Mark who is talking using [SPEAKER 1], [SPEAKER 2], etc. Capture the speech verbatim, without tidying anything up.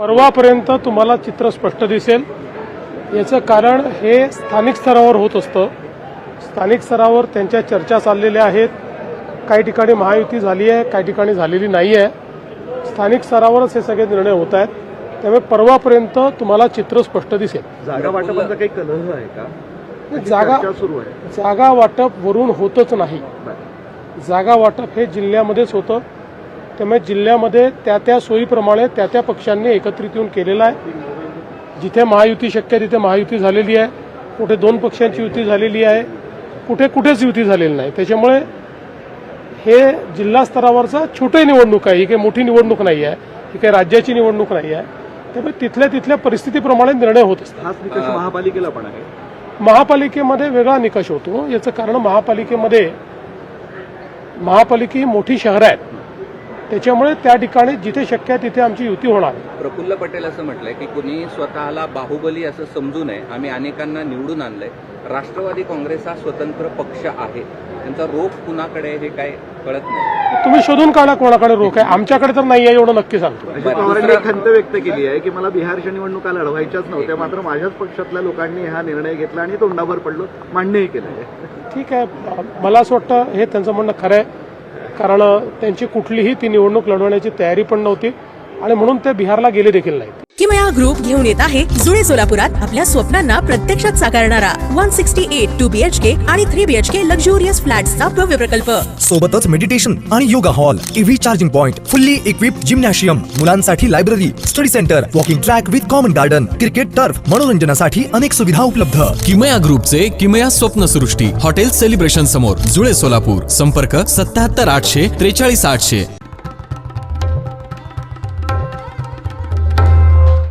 [SPEAKER 1] परवापर्यंत तुम्हाला चित्र स्पष्ट दिसेल. याचं कारण हे स्थानिक स्तरावर होत असतं. स्थानिक स्तरावर त्यांच्या चर्चा चाललेल्या आहेत. काही ठिकाणी महायुती झाली आहे, काही ठिकाणी झालेली नाही आहे. स्थानिक स्तरावरच हे सगळे निर्णय होत आहेत. त्यामुळे परवापर्यंत तुम्हाला चित्र स्पष्ट दिसेल.
[SPEAKER 2] जागा वाटपाचा काही कलह आहे का?
[SPEAKER 1] जागा
[SPEAKER 2] सुरू आहे.
[SPEAKER 1] जागा वाटप वरून होतच नाही. जागा वाटप हे जिल्ह्यामध्येच होतं. त्यामुळे जिल्ह्यामध्ये त्या त्या सोयीप्रमाणे त्या त्या पक्षांनी एकत्रित येऊन केलेलं आहे. जिथे महायुती शक्य आहे तिथे महायुती झालेली आहे. कुठे दोन पक्षांची युती झालेली आहे, कुठे कुठेच युती झालेली नाही. त्याच्यामुळे हे जिल्हा स्तरावरचा छोटी निवडणूक आहे. ही काही मोठी निवडणूक नाही आहे, ही काही राज्याची निवडणूक नाही आहे. त्यामुळे तिथल्या तिथल्या परिस्थितीप्रमाणे निर्णय होत असतात.
[SPEAKER 2] हाच निकष महापालिकेला पण आहे.
[SPEAKER 1] महापालिकेमध्ये वेगळा निकष होतो. याचं कारण महापालिकेमध्ये महापालिका ही मोठी शहरं आहेत. त्याच्यामुळे त्या ठिकाणी जिथे शक्य आहे तिथे आमची युती होणार.
[SPEAKER 3] प्रफुल्ल पटेल असं म्हटलंय की कुणी स्वतःला बाहुबली असं समजू नये. आम्ही अनेकांना निवडून आणलंय. राष्ट्रवादी काँग्रेस हा स्वतंत्र पक्ष आहे. त्यांचा रोख कुणाकडे हे काय कळत नाही.
[SPEAKER 1] तुम्ही शोधून काढा कोणाकडे रोख आहे. आमच्याकडे तर नाही आहे एवढं नक्की सांगतो.
[SPEAKER 2] अजित पवारांनी एक खंत व्यक्त केली आहे की मला बिहारच्या निवडणुका लढवायच्याच नव्हत्या, मात्र माझ्याच पक्षातल्या लोकांनी हा निर्णय घेतला आणि तोंडावर पडलो, मान्यही केलं.
[SPEAKER 1] ठीक आहे, मला असं वाटतं हे त्यांचं म्हणणं खरं आहे. कारण त्यांची कुठलीही ती निवडणूक लढवण्याची तयारी पण नव्हती आणि म्हणून ते बिहारला गेले देखील नाहीत.
[SPEAKER 4] किमया ग्रुप घेऊन येत आहे जुळे सोलापुरात आपल्या स्वप्नांना प्रत्यक्षात साकारणारा one sixty eight two BHK आणि थ्री बीएचके लक्झुरियस फ्लॅट्सचा भव्य प्रकल्प.
[SPEAKER 5] सोबतच मेडिटेशन आणि yoga hall, EV charging point, fully equipped gymnasium, मुलांसाठी library, study centre, walking track with common garden, cricket turf, मनोरंजनासाठी अनेक सुविधा उपलब्ध.
[SPEAKER 6] किमया ग्रुपचे किमया स्वप्नसृष्टी हॉटेल सेलिब्रेशन समोर जुळे सोलापूर. संपर्क सत्याहत्तर आठशे त्रेचाळीस आठशे.